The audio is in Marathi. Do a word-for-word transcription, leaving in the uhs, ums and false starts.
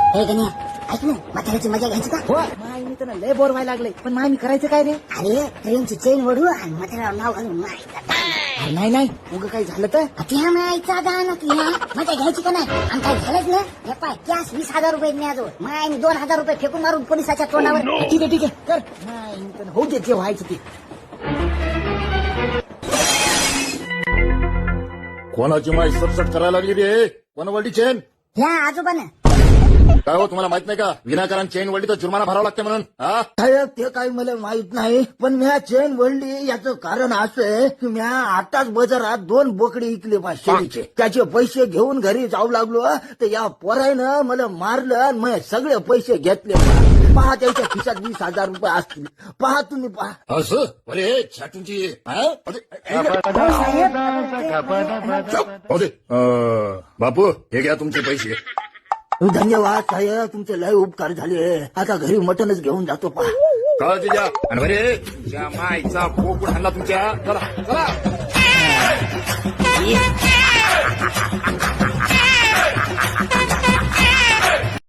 हे गण्या ऐक ना म्हाताऱ्याची मजा घ्यायची का? हो माय मी तर लय बोर व्हायला लागले पण माय मी करायचं काय रे? अरे ट्रेनची चेन वडू आणि म्हाताऱ्यावर नाव घालून मायचा अरे नाही नाही उगं काही झालं तर त्या मायचा गाणं तुला मजा घ्यायची का नाही? आणि काय झालंच ना हे पाय कॅश वीस हजार रुपये न्याजो माय मी दोन हजार रुपये फेकून मारून पोलिसाच्या तोंडावर. ठीक आहे ठीक आहे कर माय मी तर होऊ दे जे व्हायचं ते. कोणाची माय सटसट करायला लागली रे? कोण वळली चेन? ह्या आजोबानं काय हो तुम्हाला माहित नाही का विनाकारण चेन वळली तर जुर्माना भरावा लागते म्हणून? हा साहेब ते काही मला माहित नाही पण म्या चेन वळली याचं कारण असं आहे की म्या आताच बाजारात दोन बोकडे इकले पा शेळीचे. त्याचे पैसे घेऊन घरी जाऊ लागलो तर या पोरानं मला मारलं आणि मग सगळे पैसे घेतले. पहा त्याच्या खिशात वीस हजार रुपये असतील. पहा तुम्ही पहा. असं अरे छाटूंची हा? अरे, हो दे. अं, बापू हे घ्या तुमचे पैसे. धन्यवाद साहेब तुमचे लय उपकार झाले. आता घरी मटनच घेऊन जातो पहा. काळजी द्या आणि बरे तुमच्या मायचा पोकून हल्ला तुमच्या. चला चला